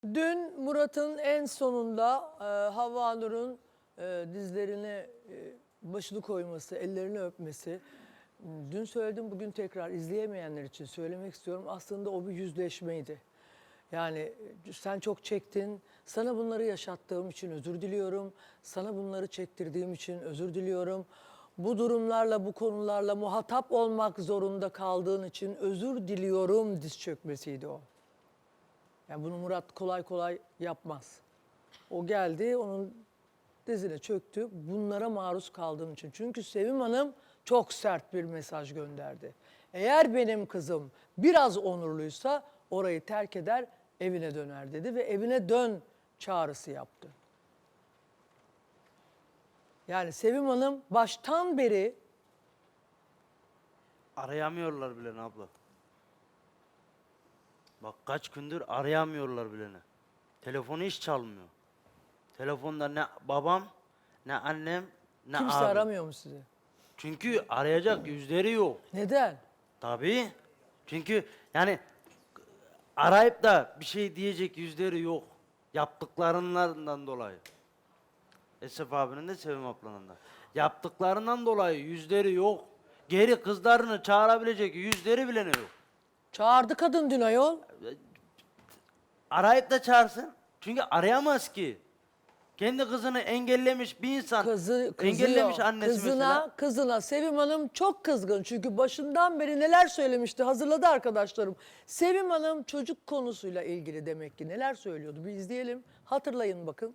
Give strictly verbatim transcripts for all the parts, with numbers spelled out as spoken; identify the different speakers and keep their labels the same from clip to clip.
Speaker 1: Dün Murat'ın en sonunda e, Havva Nur'un e, dizlerine e, başını koyması, ellerini öpmesi. Dün söyledim, bugün tekrar izleyemeyenler için söylemek istiyorum. Aslında o bir yüzleşmeydi. Yani sen çok çektin, sana bunları yaşattığım için özür diliyorum. Sana bunları çektirdiğim için özür diliyorum. Bu durumlarla, bu konularla muhatap olmak zorunda kaldığın için özür diliyorum diz çökmesiydi o. Yani bunu Murat kolay kolay yapmaz. O geldi, onun dizine çöktü. Bunlara maruz kaldığım için. Çünkü Sevim Hanım çok sert bir mesaj gönderdi. Eğer benim kızım biraz onurluysa orayı terk eder, evine döner dedi ve evine dön çağrısı yaptı. Yani Sevim Hanım baştan beri
Speaker 2: arayamıyorlar bile abla. Bak kaç gündür arayamıyorlar bile. Telefonu hiç çalmıyor. Telefonda ne babam, ne annem, ne
Speaker 1: kimse
Speaker 2: abim.
Speaker 1: aramıyor mu sizi?
Speaker 2: Çünkü arayacak yüzleri yok.
Speaker 1: Neden?
Speaker 2: Tabii. Çünkü yani arayıp da bir şey diyecek yüzleri yok. Yaptıklarından dolayı. Esef abinin de Sevim ablanın da. Yaptıklarından dolayı yüzleri yok. Geri kızlarını çağırabilecek yüzleri bile yok.
Speaker 1: Çağırdı kadın dün ayol.
Speaker 2: Arayıp da çağırsın. Çünkü arayamaz ki. Kendi kızını engellemiş bir insan.
Speaker 1: Kızı, kızıyor.
Speaker 2: engellemiş annesi
Speaker 1: kızına,
Speaker 2: mesela.
Speaker 1: Kızına Sevim Hanım çok kızgın. Çünkü başından beri neler söylemişti hazırladı arkadaşlarım. Sevim Hanım çocuk konusuyla ilgili demek ki neler söylüyordu. Bir izleyelim. Hatırlayın bakın.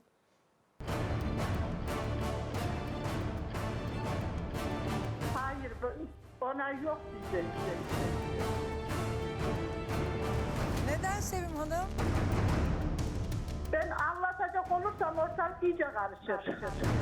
Speaker 3: Hayır, bu- ona yok bizde.
Speaker 1: Neden Sevim Hanım?
Speaker 3: Ben anlatacak olursam ortalık iyice karışır.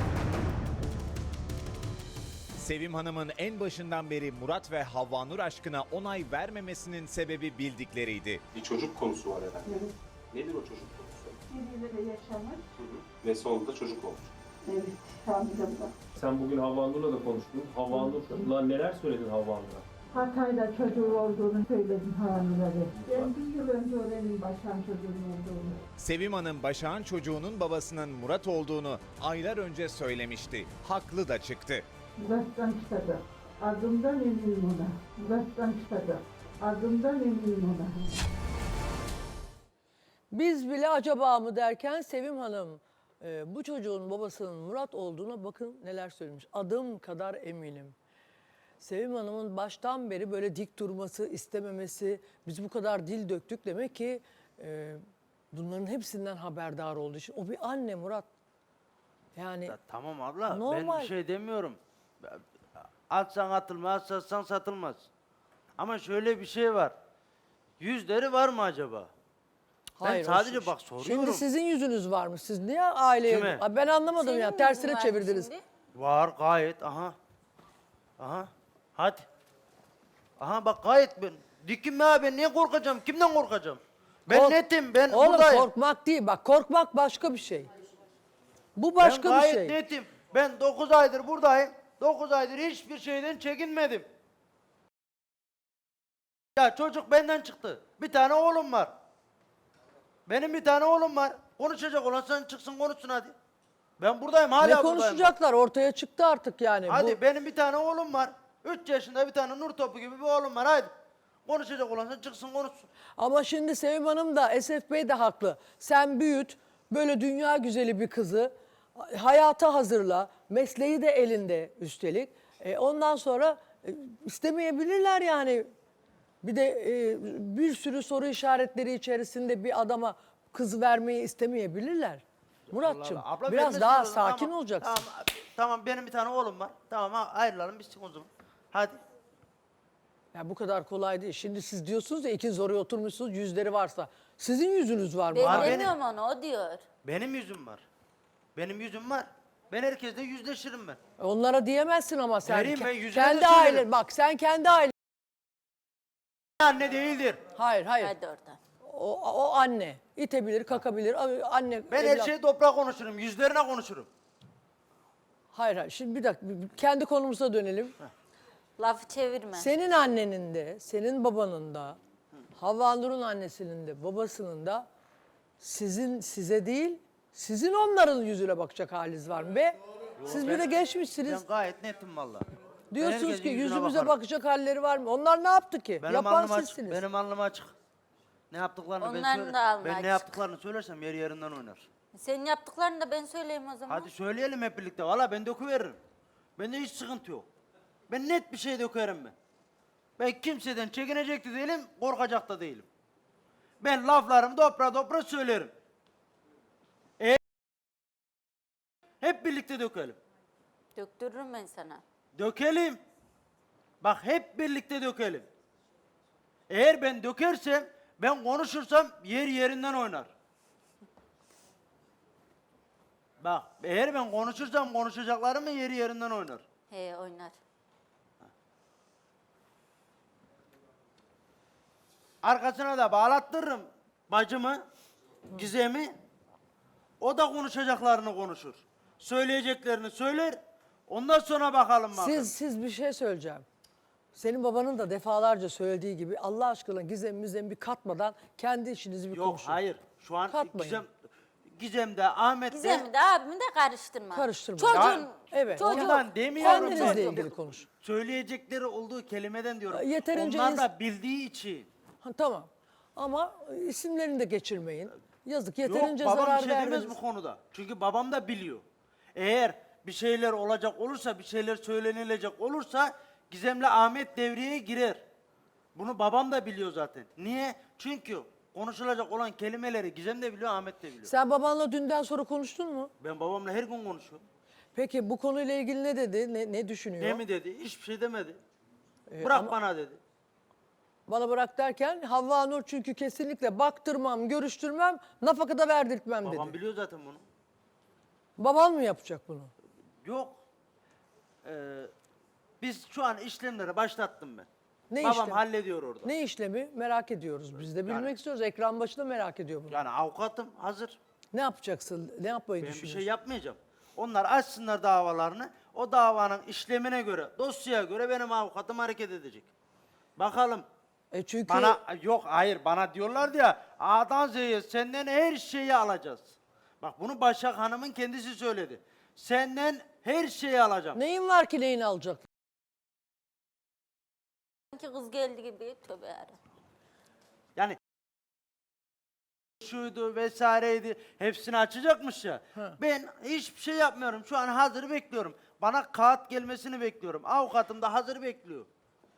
Speaker 4: Sevim Hanım'ın en başından beri Murat ve Havva Nur aşkına onay vermemesinin sebebi bildikleriydi.
Speaker 5: Bir çocuk konusu var herhalde.
Speaker 3: Evet.
Speaker 5: Nedir o çocuk konusu?
Speaker 3: Birbirleri yaşamış.
Speaker 5: Hı hı. Ve sonunda çocuk olmuş.
Speaker 3: Evet, hamilem.
Speaker 6: Sen bugün Havva Nur'la da konuştun. Havva Nur'la neler söyledin Havva Nur'a?
Speaker 3: Hatay'da çocuğu olduğunu söyledim hamilede. Ben bir yıl önce öğrendim başkan çocuğun olduğunu.
Speaker 4: Sevim Hanım Başak'ın çocuğunun babasının Murat olduğunu aylar önce söylemişti. Haklı da çıktı.
Speaker 3: Murat'tan çıkacak. Adımdan eminim ona. Murat'tan çıkacak. Adımdan eminim ona.
Speaker 1: Biz bile acaba mı derken Sevim Hanım e, bu çocuğun babasının Murat olduğuna bakın neler söylemiş. Adım kadar eminim. Sevim Hanım'ın baştan beri böyle dik durması, istememesi, biz bu kadar dil döktük demek ki e, bunların hepsinden haberdar olduğu için. O bir anne Murat. Yani
Speaker 2: Ya tamam abla ben
Speaker 1: normal.
Speaker 2: bir şey demiyorum. Atsan atılmaz, satsan satılmaz. Ama şöyle bir şey var. Yüzleri var mı acaba?
Speaker 1: Hayır,
Speaker 2: ben sadece
Speaker 1: o-
Speaker 2: bak soruyorum.
Speaker 1: Şimdi sizin yüzünüz var mı? Siz niye aileye...
Speaker 2: Kime?
Speaker 1: Ay ben anlamadım
Speaker 7: Senin
Speaker 1: ya.
Speaker 7: mi
Speaker 1: Tersine
Speaker 7: yüzün var
Speaker 1: çevirdiniz.
Speaker 7: şimdi?
Speaker 2: Var gayet aha. Aha. Hadi. Aha bak gayet ben. Dikim ya ben niye korkacağım? Kimden korkacağım? Ben
Speaker 1: Kork-
Speaker 2: netim ben
Speaker 1: Oğlum
Speaker 2: buradayım.
Speaker 1: korkmak değil. Bak korkmak başka bir şey. Bu
Speaker 2: Ben
Speaker 1: başka bir
Speaker 2: gayet
Speaker 1: şey.
Speaker 2: netim. Ben dokuz aydır buradayım. dokuz aydır hiçbir şeyden çekinmedim. Ya çocuk benden çıktı. Bir tane oğlum var. Benim bir tane oğlum var. Konuşacak olan sen çıksın konuşsun hadi. Ben buradayım hala
Speaker 1: Ne
Speaker 2: buradayım.
Speaker 1: konuşacaklar? Ortaya çıktı artık yani.
Speaker 2: Hadi
Speaker 1: Bu,
Speaker 2: benim bir tane oğlum var. Üç yaşında bir tane nur topu gibi bir oğlum var hadi. Konuşacak olan sen çıksın konuşsun.
Speaker 1: ama şimdi Sevim Hanım da Esef Bey de haklı. Sen büyüt, böyle dünya güzeli bir kızı hayata hazırla. Mesleği de elinde üstelik. E, ondan sonra e, istemeyebilirler yani. Bir de e, bir sürü soru işaretleri içerisinde bir adama kız vermeyi istemeyebilirler. Muratçım
Speaker 2: Allah Allah. Abla
Speaker 1: biraz
Speaker 2: vermesin
Speaker 1: daha
Speaker 2: o zaman.
Speaker 1: sakin
Speaker 2: Tamam,
Speaker 1: olacaksın.
Speaker 2: Tamam, tamam benim bir tane oğlum var. Tamam ha, ayrılalım bitsin o zaman. Hadi.
Speaker 1: Ya bu kadar kolay değil. Şimdi siz diyorsunuz ya ikiniz oraya oturmuşsunuz yüzleri varsa. Sizin yüzünüz var mı?
Speaker 7: Ben
Speaker 2: Var benim.
Speaker 7: demiyorum onu, o diyor.
Speaker 2: Benim yüzüm var. Benim yüzüm var. Ben herkesle yüzleşirim ben.
Speaker 1: Onlara diyemezsin ama sen.
Speaker 2: Vereyim ben,
Speaker 1: Ke-
Speaker 2: yüzüne de
Speaker 1: kendi
Speaker 2: söylerim.
Speaker 1: ailen bak sen kendi ailen.
Speaker 2: Anne değildir.
Speaker 1: Hayır hayır.
Speaker 7: Hadi oradan.
Speaker 1: O, o anne. İtebilir, kakabilir. Anne.
Speaker 2: Ben her
Speaker 1: evlat-
Speaker 2: şeyi toprağa konuşurum. Yüzlerine konuşurum.
Speaker 1: Hayır hayır. Şimdi bir dakika. bir- Kendi konumuza dönelim.
Speaker 7: Lafı çevirme.
Speaker 1: Senin annenin de, senin babanın da, Havva Nur'un annesinin de, babasının da Sizin size değil, sizin onların yüzüne bakacak haliniz var mı be? Siz bir de geçmişsiniz.
Speaker 2: Ben gayet netim valla. Ben
Speaker 1: Diyorsunuz
Speaker 2: herkesin
Speaker 1: ki
Speaker 2: yüzüne
Speaker 1: yüzümüze
Speaker 2: bakarım.
Speaker 1: bakacak halleri var mı? Onlar ne yaptı ki?
Speaker 2: Benim
Speaker 1: Yapan
Speaker 2: alnım açık.
Speaker 1: sizsiniz.
Speaker 2: Benim alnım açık. Ne yaptıklarını ben
Speaker 7: Onların
Speaker 2: söyle.
Speaker 7: da alnı
Speaker 2: Ben
Speaker 7: açık.
Speaker 2: ne yaptıklarını söylersem yer yerinden oynar.
Speaker 7: Senin yaptıklarını da ben söyleyeyim o zaman.
Speaker 2: Hadi söyleyelim hep birlikte. Valla ben döküveririm. Bende hiç sıkıntı yok. Ben net bir şey dökerim ben. Ben kimseden çekinecek de değilim, korkacak da değilim. Ben laflarımı dopra dopra söylerim. E hep birlikte dökelim.
Speaker 7: Döktürürüm ben sana.
Speaker 2: Dökelim. Bak hep birlikte dökelim. Eğer ben dökersem, ben konuşursam yer yerinden oynar. Bak eğer ben konuşursam konuşacaklarımın yeri yerinden oynar.
Speaker 7: He oynar.
Speaker 2: Arkasına da bağlattırırım bacımı, Gizem'i. O da konuşacaklarını konuşur. Söyleyeceklerini söyler. Ondan sonra bakalım bakalım.
Speaker 1: Siz siz bir şey söyleyeceğim. Senin babanın da defalarca söylediği gibi Allah aşkına gizem müzem bir katmadan kendi işinizi bir
Speaker 2: Yok
Speaker 1: konuşun.
Speaker 2: hayır. Şu an
Speaker 1: Katmayın.
Speaker 2: Gizem, Gizem'de, Ahmet'te
Speaker 7: Gizem'i de abimi de karıştırma.
Speaker 1: Karıştırma.
Speaker 7: Çocuğun,
Speaker 2: Ya,
Speaker 1: evet.
Speaker 7: çocuğun.
Speaker 2: Ondan demiyorum
Speaker 1: Kendinizle
Speaker 2: ben.
Speaker 1: ilgili konuş.
Speaker 2: Söyleyecekleri olduğu kelimeden diyorum.
Speaker 1: Yeterince
Speaker 2: Onlar
Speaker 1: ins-
Speaker 2: da bildiği için.
Speaker 1: Ha, tamam. Ama isimlerini de geçirmeyin. Yazık
Speaker 2: Yok
Speaker 1: yeterince
Speaker 2: babam bir
Speaker 1: zarar
Speaker 2: şey demez
Speaker 1: vermediniz.
Speaker 2: bu konuda. Çünkü babam da biliyor. Eğer bir şeyler olacak olursa, bir şeyler söylenilecek olursa Gizem'le Ahmet devreye girer. Bunu babam da biliyor zaten. Niye? Çünkü konuşulacak olan kelimeleri Gizem de biliyor, Ahmet de biliyor.
Speaker 1: Sen babanla dünden sonra konuştun mu?
Speaker 2: Ben babamla her gün konuşuyorum.
Speaker 1: Peki bu konuyla ilgili ne dedi? Ne, ne düşünüyor?
Speaker 2: Ne mi dedi? Hiçbir şey demedi.
Speaker 1: Ee,
Speaker 2: Bırak
Speaker 1: ama
Speaker 2: bana dedi.
Speaker 1: Bana bırak derken Havva Nur çünkü kesinlikle baktırmam, görüştürmem, nafaka da verdirtmem
Speaker 2: Babam
Speaker 1: dedi.
Speaker 2: biliyor zaten bunu.
Speaker 1: Baban mı yapacak bunu?
Speaker 2: Yok. Ee, biz şu an işlemleri başlattım ben.
Speaker 1: Ne
Speaker 2: Babam
Speaker 1: işlemi?
Speaker 2: hallediyor orada.
Speaker 1: Ne işlemi merak ediyoruz. Biz de bilmek
Speaker 2: Yani-
Speaker 1: istiyoruz. Ekran başında merak ediyor bunu.
Speaker 2: Yani avukatım hazır.
Speaker 1: Ne yapacaksın? Ne yapmayı
Speaker 2: Ben bir
Speaker 1: düşünüyorsun?
Speaker 2: şey yapmayacağım. Onlar açsınlar davalarını. O davanın işlemine göre, dosyaya göre benim avukatım hareket edecek. Bakalım.
Speaker 1: E çünkü
Speaker 2: Bana yok hayır bana diyorlardı ya A'dan Z'ye senden her şeyi alacağız. Bak bunu Başak Hanım'ın kendisi söyledi. Senden her şeyi alacağım.
Speaker 1: neyin var ki neyini alacak?
Speaker 7: Sanki kız geldi gibi tövbe yarabbim.
Speaker 2: Yani şuydu vesaireydi hepsini açacakmış ya. Ben hiçbir şey yapmıyorum. Şu an hazır bekliyorum. Bana kağıt gelmesini bekliyorum. Avukatım da hazır bekliyor.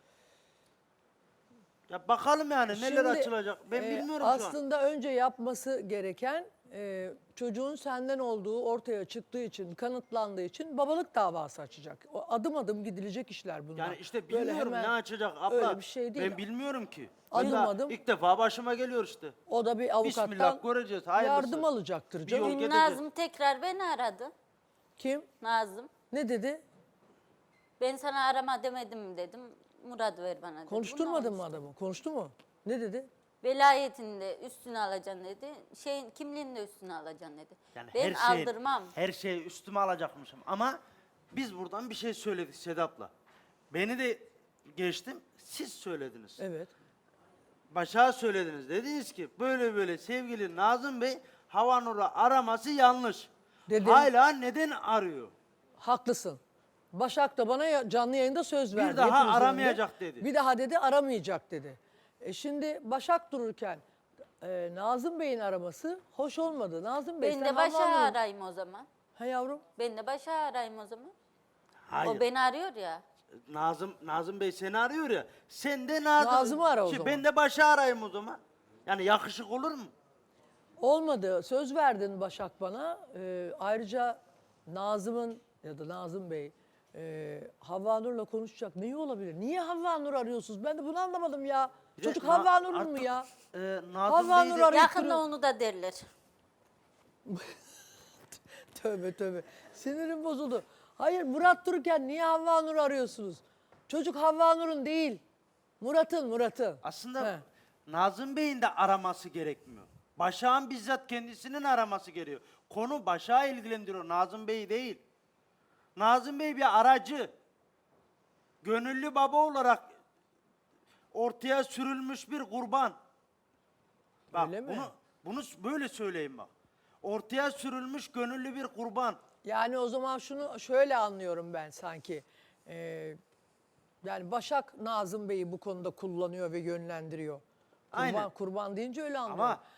Speaker 2: Ya bakalım yani neler
Speaker 1: Şimdi,
Speaker 2: açılacak. Ben
Speaker 1: e,
Speaker 2: bilmiyorum şu an.
Speaker 1: Aslında önce yapması gereken e, çocuğun senden olduğu ortaya çıktığı için, kanıtlandığı için babalık davası açacak. O adım adım gidilecek işler bunlar.
Speaker 2: Yani işte
Speaker 1: Böyle
Speaker 2: bilmiyorum
Speaker 1: hemen
Speaker 2: ne açacak abla.
Speaker 1: öyle bir şey değil.
Speaker 2: Ben bilmiyorum ki.
Speaker 1: Adım
Speaker 2: Ben daha
Speaker 1: adım-
Speaker 2: ilk defa başıma geliyor işte.
Speaker 1: O da bir avukattan
Speaker 2: Bismillah göreceğiz. Hayırlısı.
Speaker 1: yardım alacaktır
Speaker 2: Bir
Speaker 1: canım.
Speaker 2: yol
Speaker 7: Dün
Speaker 2: gideceğiz.
Speaker 7: Nazım tekrar beni aradı.
Speaker 1: Kim?
Speaker 7: Nazım.
Speaker 1: Ne dedi?
Speaker 7: Ben sana arama demedim mi dedim. Murat ver bana dedi.
Speaker 1: Konuşturmadın
Speaker 7: Bunu
Speaker 1: mı adamı? Konuştu mu? Ne dedi?
Speaker 7: Velayetini de üstüne alacaksın dedi. Şeyin kimliğini de üstüne alacaksın dedi.
Speaker 2: Yani
Speaker 7: ben
Speaker 2: her şeyi,
Speaker 7: aldırmam.
Speaker 2: her şeyi üstüme alacakmışım. Ama biz buradan bir şey söyledik Sedat'la. Beni de geçtim, siz söylediniz.
Speaker 1: Evet.
Speaker 2: Başak'a söylediniz. Dediniz ki böyle böyle sevgili Nazım Bey Havanur'u araması yanlış.
Speaker 1: Dedim.
Speaker 2: Hala neden arıyor?
Speaker 1: Haklısın. Başak da bana ya- canlı yayında söz verdi.
Speaker 2: daha
Speaker 1: hepimiz
Speaker 2: aramayacak
Speaker 1: önünde.
Speaker 2: dedi.
Speaker 1: Bir daha dedi aramayacak dedi. E şimdi Başak dururken e, Nazım Bey'in araması hoş olmadı. Nazım Bey
Speaker 7: Ben
Speaker 1: sen
Speaker 7: de Başak'ı
Speaker 1: Havva Nur'u-
Speaker 7: arayayım o zaman.
Speaker 1: Ha yavrum?
Speaker 7: Ben de Başak'ı arayayım o zaman.
Speaker 2: Hayır.
Speaker 7: O beni arıyor ya.
Speaker 2: Nazım Nazım Bey seni arıyor ya. Sen de Nazım.
Speaker 1: Nazım'ı ara o
Speaker 2: Şey,
Speaker 1: zaman.
Speaker 2: Ben de Başak'ı arayayım o zaman. Yani yakışık olur mu?
Speaker 1: Olmadı. Söz verdin Başak bana. E, ayrıca Nazım'ın ya da Nazım Bey e, Havva Nur'la konuşacak neyi olabilir? Niye Havva Nur arıyorsunuz? Ben de bunu anlamadım ya.
Speaker 2: Bir de
Speaker 1: Çocuk
Speaker 2: Na-
Speaker 1: Havva Nur'un mu
Speaker 2: artık,
Speaker 1: ya?
Speaker 2: E, Nazım
Speaker 1: Havva
Speaker 2: Bey
Speaker 1: Nur
Speaker 2: de-
Speaker 1: arıyor.
Speaker 7: Yakında
Speaker 1: kırıl-
Speaker 7: onu da derler.
Speaker 1: Tövbe tövbe. Sinirim bozuldu. Hayır Murat dururken niye Havva Nur arıyorsunuz? Çocuk Havva Nur'un değil. Murat'ın, Murat'ın.
Speaker 2: Aslında
Speaker 1: He.
Speaker 2: Nazım Bey'in de araması gerekmiyor. Başak'ın bizzat kendisinin araması gerekiyor. Konu Başak'ı ilgilendiriyor, Nazım Bey değil. Nazım Bey bir aracı. Gönüllü baba olarak ortaya sürülmüş bir kurban. Bak
Speaker 1: Öyle mi?
Speaker 2: bunu Bunu s- böyle söyleyeyim bak. Ortaya sürülmüş gönüllü bir kurban.
Speaker 1: Yani o zaman şunu şöyle anlıyorum ben sanki. Ee, yani Başak Nazım Bey'i bu konuda kullanıyor ve yönlendiriyor. Kurban,
Speaker 2: Aynen.
Speaker 1: kurban deyince öyle anlıyorum.
Speaker 2: Ama